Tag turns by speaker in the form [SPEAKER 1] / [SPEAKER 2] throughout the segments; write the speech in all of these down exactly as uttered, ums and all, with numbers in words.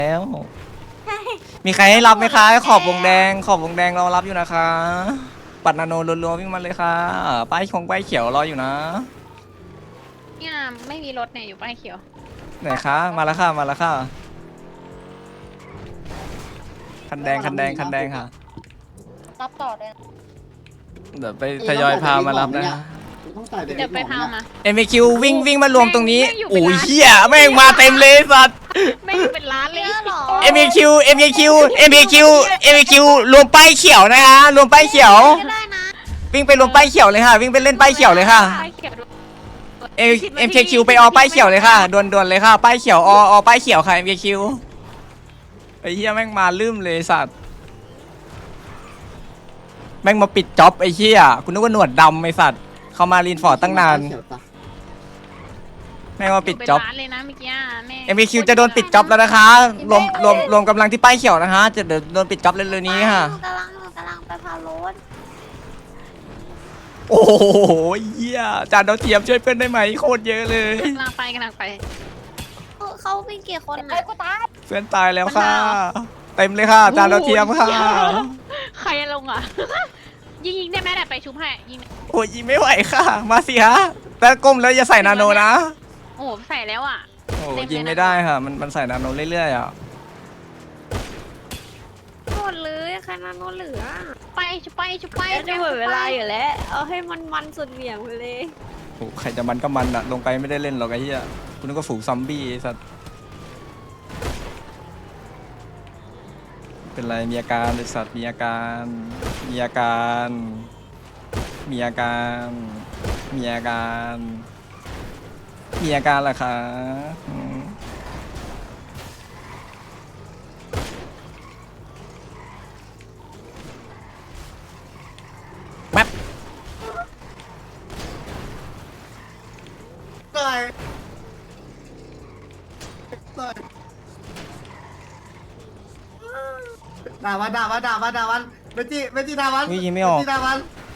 [SPEAKER 1] แล้วมีใครให้รับไหมคะขอบวงแดงขอบวงแดงรอรับอยู่นะคะปัดนาโนรัวๆวิ่งมาเลยค่ะป้ายคงป้ายเขียวรออยู่นะ
[SPEAKER 2] เนี่ยไม่มีรถเนี่ยอยู่ป้ายเขียว
[SPEAKER 1] ไหนคะมาแล้วค่ะมาแล้วค่ะคันแดงคันแดงคันแดงค่ะ
[SPEAKER 2] รับต่อเลย
[SPEAKER 1] เดี๋ยวไปทยอยพามารับนะ
[SPEAKER 2] เดี๋ยวไปพามา
[SPEAKER 1] เอ็มคิววิ่งวิ่งมารวมตรงนี้โอ้ยเฮียแม่งมาเต็มเลยสัตว์
[SPEAKER 2] ไม่เป็นร้านเลยหรอ
[SPEAKER 1] เอ็มคิวเอ็มคิวเอ็มคิวเอ็มคิวรวมป้ายเขียวนะคะรวมป้ายเขียววิ่งไปรวมป้ายเขียวเลยค่ะวิ่งไปเล่นป้ายเขียวเลยค่ะเอ็มเอ็มคิวไปออป้ายเขียวเลยค่ะด่วนๆเลยค่ะป้ายเขียวออป้ายเขียวค่ะเอ็มคิวไอ้เหี้ยแม่งมาลืมเลยสัตว์แม่งมาปิดจ็อบไอ้เหี้ยคุณนึกว่าหนวดดำไอ้สัตว์เขามารีนฟอร์ดตั้งนานแม่งมาปิดจ็อบเอ็มคิวจะโดนปิดจ็อบแล้วนะคะรวมรวมรวมกำลังที่ป้ายเขียวนะคะจะเดี๋ยวโดนปิดจ็อบเร็วๆนี้ค่ะ
[SPEAKER 3] กำลังกำลังไปพารถ
[SPEAKER 1] โอ้โหเหี้ยจานดาวเทียมช่วยเพื่อนได้ไหมโคตรเยอะเลย
[SPEAKER 2] กำลังไปกำลังไป
[SPEAKER 3] เขาเป็นกี่คนอ่ะ
[SPEAKER 1] เพื่อนตายแล้วค่ะเต็มเลยค่ะจานดาวเทียมค่ะ
[SPEAKER 2] ใครลงอ่ะยิงยิงได้ไหมแต่ไปชุบให้ยิง
[SPEAKER 1] โอ้ยยิงไม่ไหวค่ะมาสิฮะแต่ก้มแล้วอย่าใส่นาโนนะ
[SPEAKER 2] โอ้ใส่แล้วอ่ะ
[SPEAKER 1] โอ้ยิงไม่ได้ค่ะมันมันใส่นาโนเรื่อยๆอ่ะ
[SPEAKER 3] หมดเลยใครนาโนเหลือ
[SPEAKER 2] ไปชุบไปชุบไป
[SPEAKER 3] จะหมดเวลาอยู่แล้วเอาให้มันมันสุดเหวี่ยงไปเลย
[SPEAKER 1] โอ้ใครจะมันก็มันอะลงไปไม่ได้เล่นหรอกไอ้เหี้ยคุณนึกว่าฝูงซอมบี้สัตว์เป็นไรมีอาการเลยสัตว์มีอาการมีอาการมีอาการมีอาการมีอาการเหรอคะแป๊บ
[SPEAKER 4] เลยด่าวันด่าวันด่าวันด่าวันเมจิเมจิด่าวัน
[SPEAKER 1] ยิงไม่ออก
[SPEAKER 4] ด่าวัน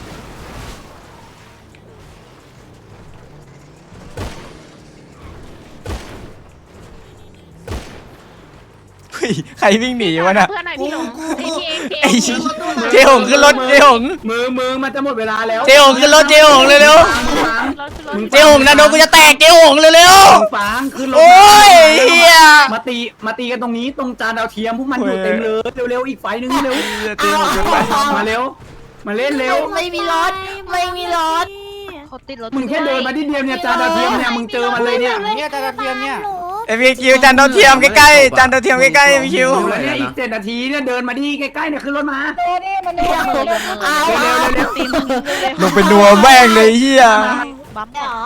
[SPEAKER 1] ใครวิ่งหนีวะน่ะ
[SPEAKER 2] เพื่อนหน่อยพี่หลง
[SPEAKER 1] ไอ้เจ๊หงขึ้นรถเจ๊หง
[SPEAKER 4] มือมือมันจะหมดเวลาแล้ว
[SPEAKER 1] เจ๊หงขึ้นรถเจ๊หงเร็วๆเจ๊หงนาโนกูจะแตกเจ๊หงเร็ว
[SPEAKER 4] ๆฟางขึ้นรถ
[SPEAKER 1] โอ้ยเฮีย
[SPEAKER 4] มาตีมาตีกันตรงนี้ตรงจานดาวเทียมพวกมันอยู่เต็มเลยเร็วๆอีกไฟนึงเร็วมาเร็วมาเล่นเร็ว
[SPEAKER 3] ไม่มีรถไม่มีรถ
[SPEAKER 2] เขาติดรถ
[SPEAKER 4] มึงแค่เดินมาที่เดียวเนี่ยจานดาวเทียมเนี่ยมึงเจอมันเลยเนี่ยเนี่ยจานดาวเทียมเนี่ย
[SPEAKER 1] เอ็มคิวจานดาวเทียมใกล้ๆจานดาวเทียมใกล้ๆเอ็มคิว
[SPEAKER 4] แล้วเนี่ยอีกเจ็ดนาทีเนี่ยเดินมาที่ใกล้ๆเนี่ยขึ้นรถมาเร็วนี่มันเร็วเร็วเร็วเร็ว
[SPEAKER 1] ลงเป็นนัวแม่งเลยเฮีย
[SPEAKER 3] บัมเหรอ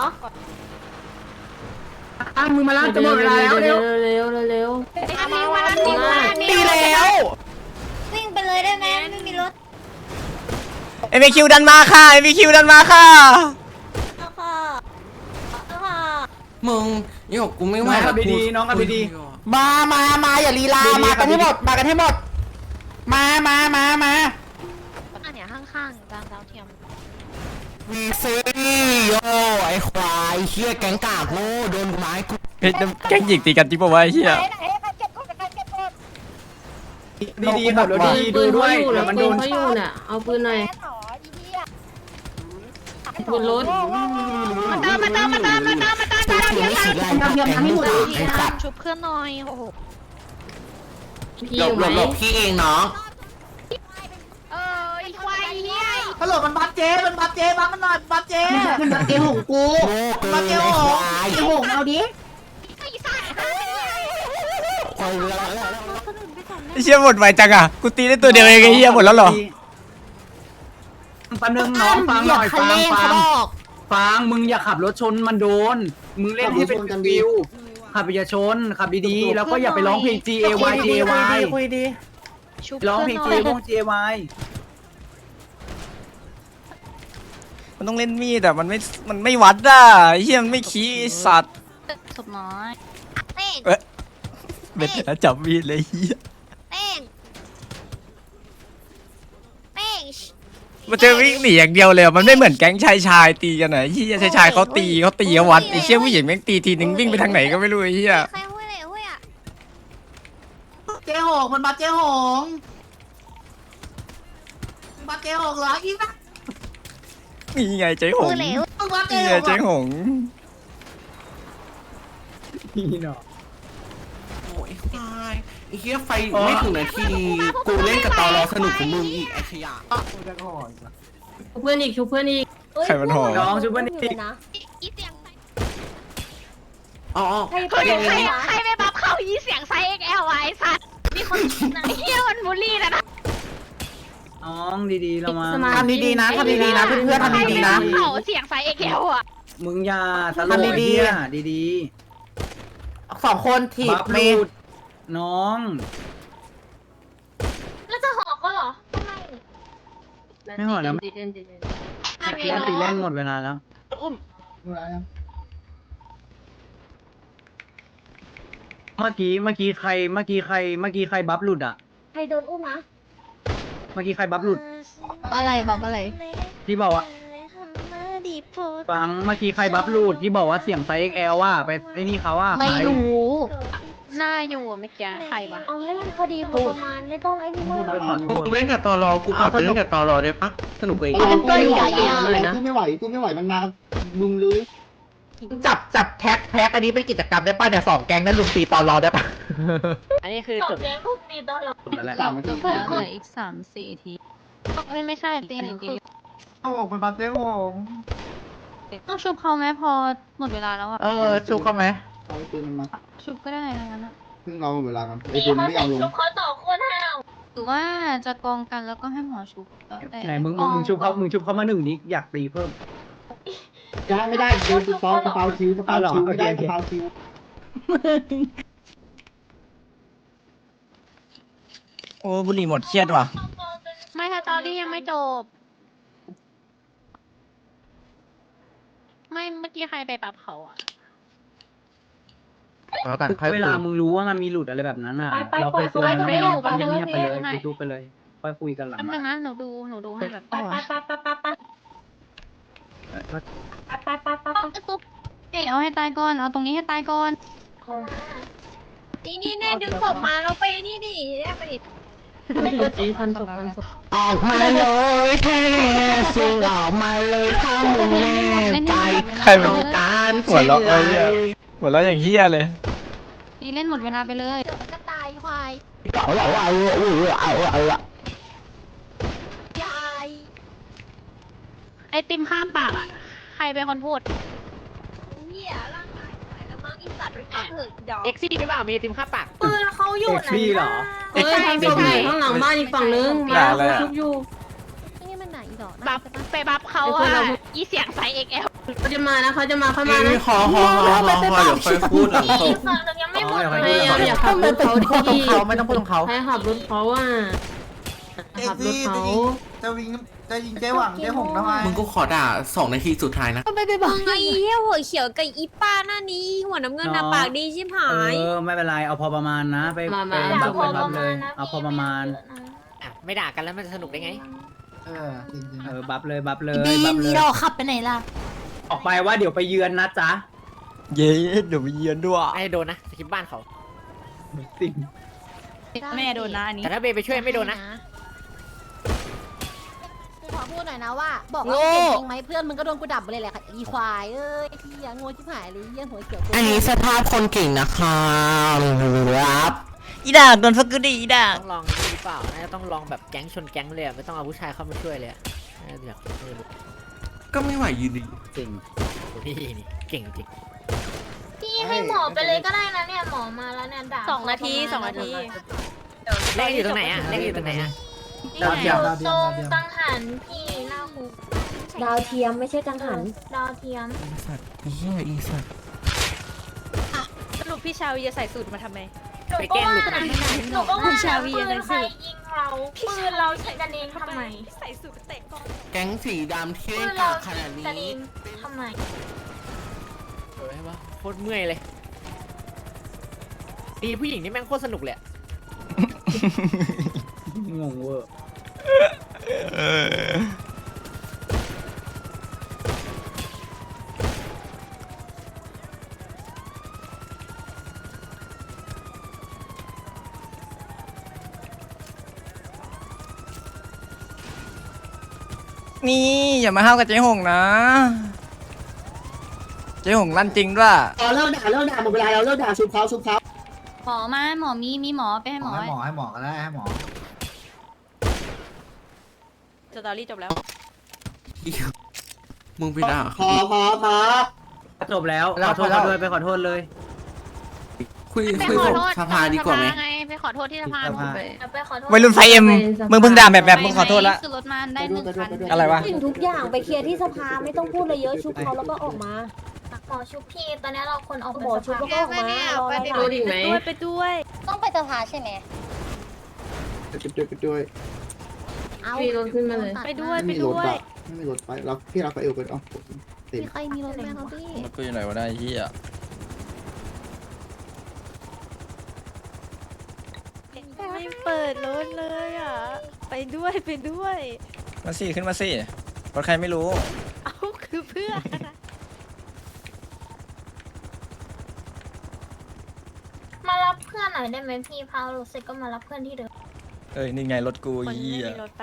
[SPEAKER 4] อ่ะมึงมาล้างจะหมดเวลาแล้วเร็ว
[SPEAKER 3] เร็วเร็ว
[SPEAKER 4] ตีแล้ว
[SPEAKER 3] วิ่งไปเลยได้ไหมไม่มีรถ
[SPEAKER 1] เอ็มคิวดันมาค่ะเอ็มคิวดันมาค่ะ
[SPEAKER 5] มึงนี่บอกกูไม่ไหว
[SPEAKER 4] แล้วดีน้องกันดี
[SPEAKER 5] มามามาอย่าลีลามากันให้หมดมากันให้หมดมามามามา
[SPEAKER 3] อันเนี้ยข้างๆจานดาวเทียม
[SPEAKER 5] วีซีโย่ไอ้ควายเชี่ยแก๊งกากโง่โดนไม้กู
[SPEAKER 1] เฮ้ยแก๊งหยิกตีกันจริงป่าวะไอ้เหี้ย
[SPEAKER 4] ดีดีแบบดีดูด้วยเดี๋ยวมันโดน
[SPEAKER 3] เขาอยู่น่ะเอาปืนหน่อยปืนรถ
[SPEAKER 2] มาตามมาตามมาตามมาตามมาตามมาตาม
[SPEAKER 5] ไม่ฉีดไรแก๊งไม่หมดไอ้สัตว์
[SPEAKER 2] ชุบเพื่อนหน่อยโอ้โห
[SPEAKER 5] หลบหลบหลบพี่เองน้อง
[SPEAKER 2] เออไอ้ควายเฮีย
[SPEAKER 4] ฮัลโหลมันบัฟเจมันบัฟเจบัฟมันหน่อยบัฟเจ
[SPEAKER 5] มันบัฟเจหงกู
[SPEAKER 4] บัฟเจหงไอ้หงเอาดิ
[SPEAKER 1] ไอ้เชี่ยหมดไวจังอ่ะกูตีได้ตัวเดียวเองไอ้เหี้ยหมดแล้วเหรอ
[SPEAKER 4] ปันหนึ่งน้องฟังหน่อยฟังฟังฟังมึงอย่าขับรถชนมันโดนมึงเล่นให้เป็นวิวขับอย่าชนขับดีๆแล้วก็อย่าไปร้องเพลง G A Y G A Y คุยดีร้องเพลง G A Y G A Y
[SPEAKER 1] มันต้องเล่นมีดแต่มันไม่มันไม่วัดอ่ะไอ้เหี้ยมันไม่ขี้สัตว์
[SPEAKER 2] ศพน้อย
[SPEAKER 1] เอ๊ะเบ็ดแล้วจับมีดเลยเหี้ย
[SPEAKER 3] เป้งเป้ง
[SPEAKER 1] มันจะวิ่งหนีอย่างเดียวเลยมันไม่เหมือนแก๊งชายชายตีกันไหนเหี้ยชายชายเขาตีเขาตีเขาวัดไอ้เชี่ยผู้หญิงแม่งตีทีนึงวิ่งไปทางไหนก็ไม่รู้ไอ้เหี้ย
[SPEAKER 4] เจ๊หงมันบัฟเจ๊หงมันบัฟเจ๊หงเหรออีกนะ
[SPEAKER 1] นี่ไงเจ๊หง
[SPEAKER 3] มือเหลว
[SPEAKER 4] มันบัฟ
[SPEAKER 1] นี่
[SPEAKER 4] เจ๊ห
[SPEAKER 1] ไง
[SPEAKER 4] ง
[SPEAKER 1] เจ๊หง
[SPEAKER 4] นี่เนาะ
[SPEAKER 5] โอ้ยควายไอ้เหี้ยไฟไม่ถึงนาทีกูเล่นกับตอรอสนุกของมึงอีกไอ้ขยะ
[SPEAKER 3] ชุบเพื่อนอีกชุบเพื่อนอีก
[SPEAKER 1] ใครมันหอ
[SPEAKER 4] น้องชุบเพื่อนอีก
[SPEAKER 2] อีเสียง
[SPEAKER 5] อ๋อ
[SPEAKER 3] ใคร
[SPEAKER 2] เฮ้ยใครใครไปบัฟเข้าอีเสียงไซส์ เอ็กซ์ แอล ไว้สัตว์มีคนไอ้เหี้ยมันบูลลี่นะนะ
[SPEAKER 4] น้องดีๆเรามา
[SPEAKER 3] ทำดีๆนะทำดีๆนะเพื่อนๆทำดีๆนะ
[SPEAKER 2] เขาเสียงไซส์ เอ็กซ์ แอล อ่ะ
[SPEAKER 4] มึงอย่าตลกดีๆดี
[SPEAKER 5] สองคนถี
[SPEAKER 4] ๆ
[SPEAKER 5] บ
[SPEAKER 4] บัฟ
[SPEAKER 5] เม
[SPEAKER 4] ลู
[SPEAKER 5] ย์
[SPEAKER 4] ดน้อง
[SPEAKER 2] แล้วจะหอกก็เหรอ
[SPEAKER 4] ไม่หอแล้วไม่เล่นตีเล่นหมดเวลาแล้ว เมื่อกี้เมื่อกี้ใครเมื่อกี้ใครเมื่อกี้ใครบัฟหลุดอ่ะ
[SPEAKER 3] ใครโดนอุ้มนะ
[SPEAKER 4] เมื่อกี้ใครบัฟหลุด
[SPEAKER 3] อะไรบอกอะไร
[SPEAKER 4] ที่บอกว่าฟังเมื่อกี้ใครบัฟหลุดที่บอกว่าเสียงไซส์ เอ็กซ์ แอล ว่าไปไอ้นี่เขาว่า
[SPEAKER 3] ไม่รู้
[SPEAKER 2] หน้าอยู่เมื่อกี้ใครวะ
[SPEAKER 3] เอาให้มันพอดีพอประมาณไม่ต้องไอ้นี่มาก
[SPEAKER 4] ไปขอโทษ
[SPEAKER 5] กูเล่นกับตอรอกูขอไปเล่นกับตอรอได้ปะสนุกเอง
[SPEAKER 3] เป็นตัวใหญ่เลยนะ
[SPEAKER 6] ตู้ไม่ไหวตู้ไม่ไหวมันมามึงเลย
[SPEAKER 5] จับจับแท็กแท็กอันนี้เป็นกิจกรรมได้ป่ะเนี่ยสองแก๊งนั้นลุมตีตอรอได้ปะ
[SPEAKER 2] อันนี้คือจุด
[SPEAKER 4] นั่นแหละ
[SPEAKER 6] สามนาที
[SPEAKER 3] เหลืออีกสามสี่ที
[SPEAKER 2] ไม่ไม่ใช่ตีหนึ่งที
[SPEAKER 4] เอาออกไปบัฟเจ๊หง
[SPEAKER 3] ต้องชุบเขาไหมพอหมดเวลาแล้วอ่ะ
[SPEAKER 5] เออชูเขาไหม
[SPEAKER 6] เอาไอ้ปืนมันมา
[SPEAKER 3] ชุบก็ได้นะงั้นอะ
[SPEAKER 6] ซึ่งเราเวลากันไอ้ปืนไม่เอาลง
[SPEAKER 3] หรือว่าจะกองกันแล้วก็ให้หมอชุบแล้วแต่
[SPEAKER 4] ไหนมึงมึงมึงชุบเขามึงชุบเขามาหนึ่งนี้อยากตีเพิ่ม
[SPEAKER 6] ได้ไม่ได้โดนสปาสปาคิวสปาคิวไม่ได้สปาคิว
[SPEAKER 1] โอ้บุหรี่หมดเครียดว่ะ
[SPEAKER 2] ไม่ค่ะตอนนี้ยังไม่จบ ไม่เมื่อกี้ใครไปปรับเขาอ่ะ
[SPEAKER 5] แล้วกันค่อย
[SPEAKER 4] เว
[SPEAKER 5] คุ
[SPEAKER 4] ลาย มึงรู้ว่ามันมีหลุดอะไรแบบนั้นอ่ะเราเคยเตือนแล้วไม่เงียบไปเลยดูไปเลยค่อยคุยกันหลัง
[SPEAKER 2] แป๊บนึงนะหนูดูหนูดูให้แบบ
[SPEAKER 3] ปุ๊บเดี๋ยวให้ตายก่อนเอาตรงนี้ให้ตายก่อน
[SPEAKER 2] นี่นี่แน่ดึงศพมาเราไปนี่ดิไปดิ
[SPEAKER 3] พันศพพันศพ
[SPEAKER 5] ออกมาเลยแค่สิ่งออกมาเลยถ้ามึงแน่ใจ
[SPEAKER 1] ใครมัน
[SPEAKER 5] ต้องการ
[SPEAKER 1] หัวเราะเอ้ยหัวเราะอย่างเฮี้ยเลย
[SPEAKER 3] นี่เล่นหมดเวลาไปเลย
[SPEAKER 2] ก็ตายควาย
[SPEAKER 5] เอาเอาเอาเอาเอาเอาเอา
[SPEAKER 2] ยายไอติมข้ามปากอ่ะใครเป็นคนพูด
[SPEAKER 3] เนี่ยร่างกายแล้วมั้งอีสัตว์ไปเถอะดอก
[SPEAKER 2] เอ็กซี่หรือเปล่ามีไอติมข้ามปาก
[SPEAKER 3] ปืนเขาอยู่
[SPEAKER 4] เอ็ก
[SPEAKER 3] ไหน
[SPEAKER 4] ซี่เหรอ
[SPEAKER 3] เฮ้ยทำศพอยู่ข้างหลังบ้านอีกฝั่งนึง
[SPEAKER 1] ด่าอะไรอะ
[SPEAKER 3] ชุบอยู่นี่มันไหนดอก
[SPEAKER 2] บัฟไปบัฟเขาอ่ะอีเสียงไซส์ เอ็กซ์ แอล
[SPEAKER 3] เขาจะมานะเขาจะมาเข้ามานะ
[SPEAKER 5] ขอขอขอขอเดี๋ยวค่อยพูดหลังจบ
[SPEAKER 2] ฝั่งนึงยังไม่หมด
[SPEAKER 4] อ๋อ
[SPEAKER 2] เล
[SPEAKER 4] เดี๋
[SPEAKER 2] ย
[SPEAKER 4] ยวให้
[SPEAKER 3] อย่าขับรถเขา
[SPEAKER 5] พูดตรง
[SPEAKER 3] ดี
[SPEAKER 5] เขาไม่ต้องพูดตรงเขา
[SPEAKER 3] ให้ขับรถเขาอ่ะขับรถเขา
[SPEAKER 4] จะวิ่งจะยิงเจ๊หวังเจ๊หงทำไม
[SPEAKER 5] มึงก็ขอด่าสองนาทีสุดท้ายนะ
[SPEAKER 3] ไปไปบอกไอ้เหี้ยหัวเขียวกับอีป้าหน้านี้หัวน้ำเงินน่ะปากดีชิบหา
[SPEAKER 4] เอย อไม่เป็นไรเอาพอประมาณนะไปไปบัฟไปบัฟเลยเอาพอประมาณ
[SPEAKER 7] ไม่ด่ากันแล้วมันจะสนุกได้ไง
[SPEAKER 6] เออจริง
[SPEAKER 4] เออบัฟเลยบัฟเลย
[SPEAKER 3] บี
[SPEAKER 4] บั
[SPEAKER 3] ม
[SPEAKER 4] ฟเล
[SPEAKER 3] อี
[SPEAKER 4] ย
[SPEAKER 3] ดอกขับไปไหนล่ะ
[SPEAKER 4] ออกไปว่าเดี๋ยวไปเยือนนะจ๊ะ
[SPEAKER 1] เย้เดี๋ยวไปเยือนด้วย
[SPEAKER 7] ไม่โดนนะสกิปบ้านเขา
[SPEAKER 4] สิ่ง
[SPEAKER 3] แม่โดนนะอันนี้
[SPEAKER 7] แต่ถ้าเบย์ไปช่วยไม่โดนนะ
[SPEAKER 8] ขอพูดหน่อยนะว่า บอกว่าเก่งจริงไหมเพื่อนมึงก็โดนกูดับไปเลยแหละค่ะอีควายเอ้ยไอ้ที่ยังงูชิบหายเลยเยี่ยหัวเขียว
[SPEAKER 5] อันนี้สภาพคนเก่งนะครับครับ
[SPEAKER 1] อีด่างโดนฟักกูดิอีด่าง
[SPEAKER 7] ต้องลองนี่หรือเปล่าน่าจะต้องลองแบบแก๊งชนแก๊งเลยอะไม่ต้องเอาผู้ชายเข้ามาช่วยเลยอะน่าจะอยากเออ
[SPEAKER 5] ก็ไม่ไหวยืนดี
[SPEAKER 4] จริง
[SPEAKER 7] นี่นี่เก่งจริง
[SPEAKER 8] พี่ให้หมอไปเลยก็ได้นะเนี่ยหมอมาแล้วเนี่ยด่า
[SPEAKER 3] สองนาทีสองนาที
[SPEAKER 7] เลขอยู่ตรงไหนอะเลขอยู่ตรงไหนอะ
[SPEAKER 4] ดาวเทียม
[SPEAKER 8] ตรงกังหันพี่หน้าคุก
[SPEAKER 3] ดาวเทียมไม่ใช่กังหัน
[SPEAKER 8] ดาวเทียม
[SPEAKER 5] อีสัตว์อีเหี้ยอีสัตว์
[SPEAKER 3] สรุปพี่ชาวีจะใส่สูตรมาทำไม
[SPEAKER 7] ไปแกล้งหลุดนะ
[SPEAKER 8] หนูก็ว่า
[SPEAKER 3] คุณชาวี
[SPEAKER 8] ปื
[SPEAKER 3] ยังไง
[SPEAKER 8] นใคร
[SPEAKER 3] สิ
[SPEAKER 8] ยิงเราปืนเราใช้กันเองทำไม
[SPEAKER 3] ใส่สูตรเตะกอง
[SPEAKER 5] แก๊งสีดำที่
[SPEAKER 8] ปื
[SPEAKER 5] เล่น
[SPEAKER 8] น
[SPEAKER 5] กา
[SPEAKER 8] เรา
[SPEAKER 5] กข
[SPEAKER 8] ใช้
[SPEAKER 5] นาดนี้
[SPEAKER 8] กันเองทำไม
[SPEAKER 7] เออใช่ปะโคตรเมื่อยเลยดีผู้หญิงนี่แม่งโคตรสนุกเลยอะ
[SPEAKER 4] งงเวอร์
[SPEAKER 1] เออนี่อย่ามาห้าวกับเจ๊หงนะเจ๊หงลั่นจริงด้วย
[SPEAKER 6] อ๋อเลิกด่าเลิกด่าหมดเวลาแล้วเลิกด่าชุบเขาชุบเขา
[SPEAKER 2] หมอมาหมอมีมีหมอไปให้หมอ
[SPEAKER 4] ให้หมอให้หมอก็ได้ให้หมอ
[SPEAKER 2] สตอรี่จบแล้ว
[SPEAKER 5] มึงไปด่า
[SPEAKER 6] พอพอพอ
[SPEAKER 4] จบแล้วขอโทษเขาด้วยไปขอโทษเลย
[SPEAKER 5] คุย
[SPEAKER 2] ไป
[SPEAKER 5] คุย
[SPEAKER 2] ขอ
[SPEAKER 5] กับ
[SPEAKER 2] โทษ
[SPEAKER 5] สภาดีกว่าไหม
[SPEAKER 2] ไงไปขอโทษที่สภา
[SPEAKER 4] สภา
[SPEAKER 2] ไป
[SPEAKER 3] ไปขอโทษ
[SPEAKER 1] วัยรุ่นไฟเอ็มมึงเพิ่งด่าแบบแบบมึงขอโทษละ
[SPEAKER 2] คือรถมาได้หนึ่งคัน
[SPEAKER 1] อะไรวะ
[SPEAKER 3] สิ่งทุกอย่างไปเคลียร์ที่สภาไม่ต้องพูดเลยเยอะชุบเขาแล้วก็ออกมาหมอชุบพี่ตอนนี้เราคนออกหมอชุบแล้วก็ออกมาไปดูดิไหมไปด้วย
[SPEAKER 8] ต้องไปสภาใช่ไหม
[SPEAKER 6] ไปด้วยไปด้วย
[SPEAKER 8] เอา
[SPEAKER 3] มีรถขึ้นมาเลย
[SPEAKER 2] ไปด้วย
[SPEAKER 6] ไม่
[SPEAKER 2] ไป
[SPEAKER 6] มีรถ
[SPEAKER 2] ด้วย
[SPEAKER 6] อะไม่มีรถไปเราพี่เราไปเอวไปอ๋อเต็ม
[SPEAKER 8] มีใครมีรถไหมครับพี่
[SPEAKER 1] รถกูอยู่ไหนวะได้เฮีย
[SPEAKER 2] ไม่เปิดรถเลยอ่ะไปด้วยไปด้วย
[SPEAKER 1] มาสิขึ้นมาสิรถใครไม่รู้
[SPEAKER 2] เอาคือเพื่อน
[SPEAKER 3] มารับเพื่อนหน่อยได้ไหมพี่พาวรู้สึกก็มารับเพื่อนที่เดิม
[SPEAKER 1] เอ้ยนี่ไงรถกู
[SPEAKER 2] คนไม่
[SPEAKER 1] เฮีย
[SPEAKER 2] มีรถไป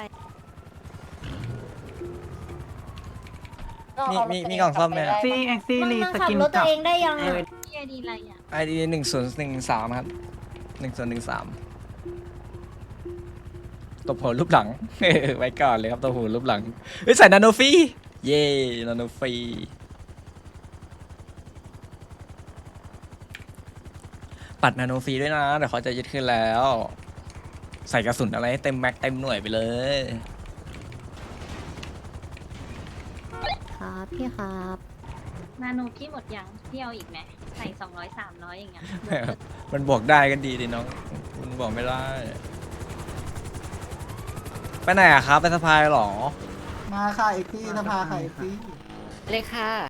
[SPEAKER 1] มีมีมีกล่องซ่อมไหม
[SPEAKER 4] ซีเอ็กซี่รีสกิน
[SPEAKER 3] รถตัว
[SPEAKER 4] กับ
[SPEAKER 3] เองได้ยัง
[SPEAKER 4] เออ
[SPEAKER 3] พี่ไอดีอะไรอ่ะ
[SPEAKER 1] ไอดีหนึ่งศูนย์หนึ่งสามครับหนึ่งศูนย์หนึ่งสามตบหัวรูปหลัง ไว้ก่อนเลยครับตบหัวรูปหลังเฮ้ยใส่นาโนฟรีเย่นาโนฟรีปัดนาโนฟรีด้วยนะเดี๋ยวเขาจะยึดขึ้นแล้ว ใส่กระสุนอะไรให้เต็มแม็กเต็มหน่วยไปเลย
[SPEAKER 8] ครับพี่ครับ
[SPEAKER 2] นาโนพี่หมดยังพี่เอาอีกไหมใส่สองร้อยสามร้อยอย่างเงี้ย
[SPEAKER 1] มันบอกได้กันดีดิน้องมันบอกไม่ได้ ไปไหนอะครับ ไปสะพายเหรอ
[SPEAKER 6] มาค่ะเอ็กซี่สภาค่ะเอ็กซี่
[SPEAKER 7] เลยค่ะ